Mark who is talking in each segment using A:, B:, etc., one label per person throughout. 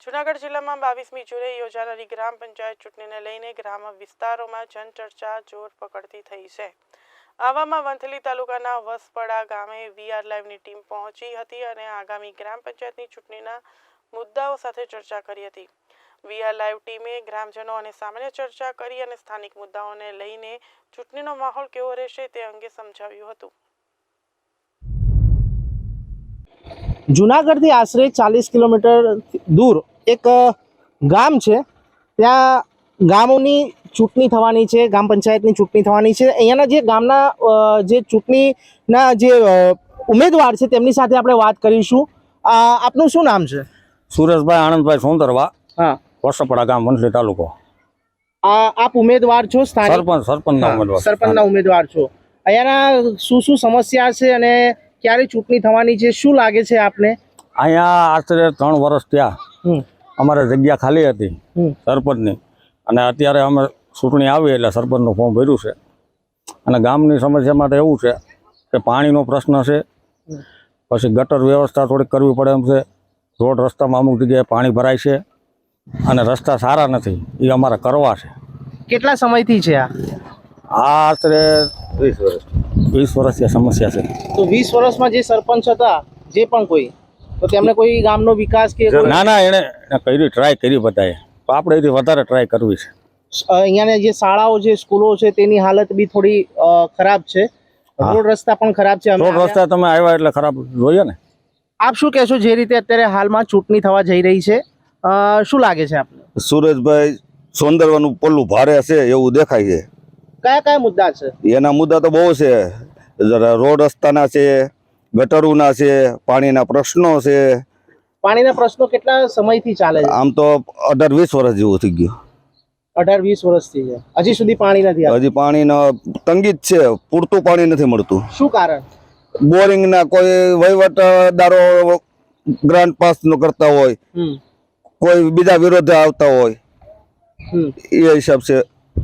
A: જૂનાગઢ જિલ્લામાં 22મી જૂને યોજાનારી ગ્રામ પંચાયત ચૂંટણીને લઈને ગ્રામ વિસ્તારોમાં જનચર્ચા જોર પકડતી થઈ છે। આવામાં વંથલી તાલુકાના વસપડા ગામે વીઆર લાઈવની ટીમ પહોંચી હતી અને આગામી ગ્રામ પંચાયતની ચૂંટણીના મુદ્દાઓ સાથે ચર્ચા કરી હતી। વીઆર લાઈવ ટીમે ગ્રામજનો અને સામાન્ય ચર્ચા કરી અને સ્થાનિક મુદ્દાઓને લઈને ચૂંટણીનો માહોલ કેવો રહેશે તે અંગે સમજાવ્યું હતું।
B: જૂનાગઢથી આશરે 40 કિલોમીટર દૂર એક ગામ છે। ત્યાં ગામોની ચૂંટણી થવાની છે, ગ્રામ પંચાયતની ચૂંટણી થવાની છે। અહીંયાના જે ગામના જે ચૂંટણીના જે ઉમેદવાર છે તેમની સાથે આપણે વાત કરીશું। આપનું શું નામ છે?
C: સુરેશભાઈ આનંદભાઈ સોંદરવા,
B: હા,
C: વસપડા ગામ, વંથલી તાલુકો।
B: આપ ઉમેદવાર છો? સરપંચના ઉમેદવાર છો। અહીંયાના શું સમસ્યા છે અને ક્યારે ચૂંટણી થવાની છે, શું લાગે છે આપને?
C: અહીંયા આશરે 3 વર્ષ થયા અમારે જગ્યા ખાલી હતી સરપંચની, અને અત્યારે અમે ચૂંટણી આવી એટલે સરપંચનું ફોર્મ ભર્યું છે। અને ગામની સમસ્યા માટે એવું છે કે પાણીનો પ્રશ્ન છે, પછી ગટર વ્યવસ્થા થોડીક કરવી પડે એમ છે। રોડ રસ્તામાં અમુક જગ્યાએ પાણી ભરાય છે અને રસ્તા સારા નથી, એ અમારે કરવા છે।
B: કેટલા સમયથી છે આ?
C: આશરે 20 વર્ષથી સમસ્યા છે।
B: તો 20 વર્ષમાં જે સરપંચ હતા, જે પણ કોઈ, તો તેમને કોઈ ગામનો વિકાસ કે
C: ના એને કરી ટ્રાય કરી બધાએ, તો આપણે એથી વધારે ટ્રાય કરવી છે।
B: અહીંયાની જે શાળાઓ છે, સ્કૂલો છે, તેની હાલત બી થોડી ખરાબ છે। રોડ રસ્તા પણ ખરાબ છે।
C: રોડ રસ્તા તમે આવ્યા એટલે ખરાબ જોઈએ ને।
B: આપ શું કહેશો, જે રીતે અત્યારે હાલમાં ચૂંટણી થવા જઈ રહી છે, શું લાગે છે આપને?
D: સુરેશભાઈ સોંદરવાનું પલ્લું ભારે છે એવું દેખાય છે।
B: કયા કયા મુદ્દા છે?
D: એના મુદ્દા તો બહુ છે। રોડ રસ્તાના છે, ગટરોના છે, પાણીના પ્રશ્નો છે।
B: પાણીના પ્રશ્નો કેટલા સમયથી ચાલે છે?
D: આમ તો 18-20 વર્ષ જેવું થઈ ગયું।
B: 18-20 વર્ષથી છે, હજી સુધી પાણી નથી આવ્યું?
D: હજી પાણીનો તંગી જ છે, પૂરતું પાણી નથી મળતું।
B: શું કારણ?
D: બોરિંગના કોઈ વહીવટદારો ગ્રાન્ટ પાસ નો કરતા હોય, કોઈ બીજા વિરોધે આવતા હોય, એ હિસાબ છે।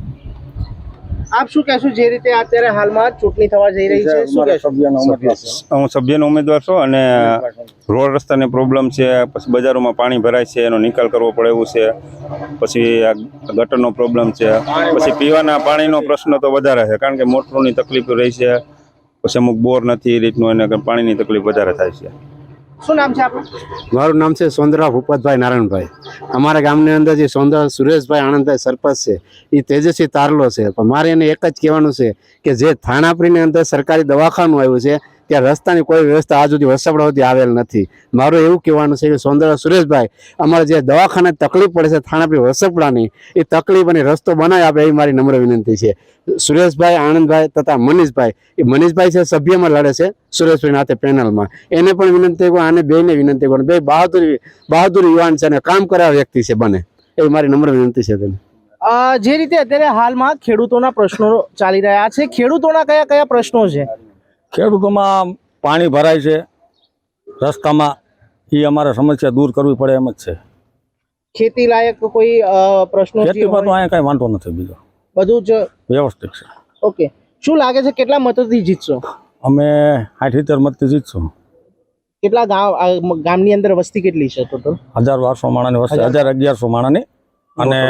B: આપ શું કહેશો, જે રીતે અત્યારે હાલમાં ચૂંટણી થવા જઈ રહી છે, શું કહેશો?
E: હું સભ્યનો ઉમેદવાર છું અને રોડ રસ્તાની પ્રોબ્લેમ છે, પછી બજારોમાં પાણી ભરાય છે, એનો નિકાલ કરવો પડે એવું છે, પછી આ ગટરનો પ્રોબ્લેમ છે, પછી પીવાના પાણીનો પ્રશ્ન તો વધારે છે, કારણ કે મોટરોની તકલીફ રહી છે, પછી અમુક બોર નથી એ રીતનું, એને પાણીની તકલીફ વધારે થાય છે।
B: શું નામ છે આપનું?
F: મારું નામ છે સોંદરા ભૂપતભાઈ નારાયણભાઈ। અમારા ગામની અંદર જે સોંદરા સુરેશભાઈ આનંદભાઈ સરપંચ છે, એ તેજસ્વી તારલો છે। પણ મારે એને એક જ કહેવાનું છે કે જે થાણાપરીની અંદર સરકારી દવાખાનું આવ્યું છે, ત્યાં રસ્તાની કોઈ વ્યવસ્થા આજ સુધી વસપડા સુધી આવેલ નથી। મારું એવું કહેવાનું છે કે સોંદરા સુરેશભાઈ, અમારે જે દવાખાને તકલીફ પડે છે થાણાપરી વસપડાની, એ તકલીફ અને રસ્તો બનાવી આપે એ મારી નમ્ર વિનંતી છે। સુરેશભાઈ આનંદભાઈ તથા મનીષભાઈ, એ મનીષભાઈ છે સભ્યમાં લડે છે સુરેશભાઈ નાતે પેનલમાં, એને પણ વિનંતી કરું, આને બેને વિનંતી કરું, બે બહાદુર યુવાન છે અને કામ કરાવ વ્યક્તિ છે બને, એ મારી નમ્ર વિનંતી છે તેને।
B: જે રીતે અત્યારે હાલમાં ખેડૂતોના પ્રશ્નો ચાલી રહ્યા છે, ખેડૂતોના કયા કયા પ્રશ્નો છે?
C: ખેડૂતોમાં પાણી ભરાય છે રસ્તામાં, એ અમારે સમસ્યા દૂર કરવી પડે એમ જ છે।
B: ખેતી લાયક કોઈ પ્રશ્નો?
C: ખેતીમાં તો અહીંયા કઈ વાંધો નથી, બીજો
B: બધું જ
C: વ્યવસ્થિત છે।
B: ઓકે, શું લાગે છે કેટલા મતોથી જીતશો?
C: અમે 70 મતથી જીતશું।
B: કેટલા ગામની અંદર વસ્તી કેટલી છે ટોટલ?
C: 1200 માણાની વસ્તી, 1100 માણાની, અને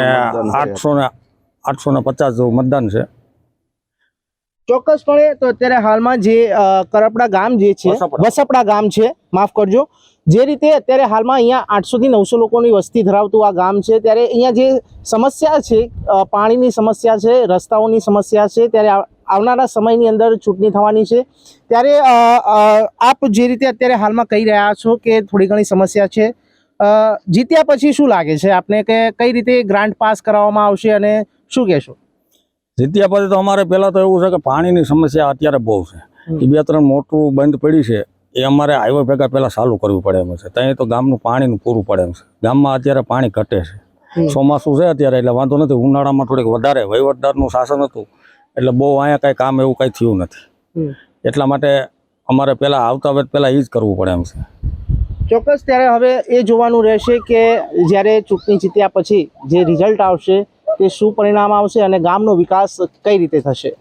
C: 850 જેવું મતદાન છે।
B: ચોક્કસપણે તો અત્યારે હાલમાં જે કરપડા ગામ જે છે, વસપડા ગામ છે, માફ કરજો, જે રીતે અત્યારે હાલમાં અહીંયા 800 થી 900 લોકોની વસ્તી ધરાવતું આ ગામ છે, ત્યારે અહીંયા જે સમસ્યા છે, પાણીની સમસ્યા છે, રસ્તાઓની સમસ્યા છે, ત્યારે આવનારા સમયની અંદર ચૂંટણી થવાની છે, ત્યારે આપ જે રીતે અત્યારે હાલમાં કહી રહ્યા છો કે થોડી ઘણી સમસ્યા છે, જીત્યા પછી શું લાગે છે આપને કે કઈ રીતે ગ્રાન્ટ પાસ કરાવવામાં આવશે અને શું કહેશો?
C: જીત્યા પછી તો અમારે પહેલાં તો એવું છે કે પાણીની સમસ્યા અત્યારે બહુ છે, એ 2-3 મોટું બંધ પડી છે, એ અમારે હાઈવે ભેગા પહેલાં ચાલુ કરવું પડે એમ છે। ત્યાં તો ગામનું પાણીનું પૂરું પડે એમ છે। ગામમાં અત્યારે પાણી ઘટે છે, ચોમાસું છે અત્યારે એટલે વાંધો નથી, ઉનાળામાં થોડીક વધારે વહીવટદારનું શાસન હતું એટલે બહુ અહીંયા કાંઈ કામ એવું કાંઈ થયું નથી, એટલા માટે અમારે પહેલાં આવતા વેત પહેલાં એ જ કરવું પડે એમ છે।
B: ચોક્કસ, ત્યારે હવે એ જોવાનું રહેશે કે જ્યારે ચૂંટણી જીત્યા પછી જે રિઝલ્ટ આવશે તે શું પરિણામ આવશે અને ગામનો વિકાસ કઈ રીતે થશે।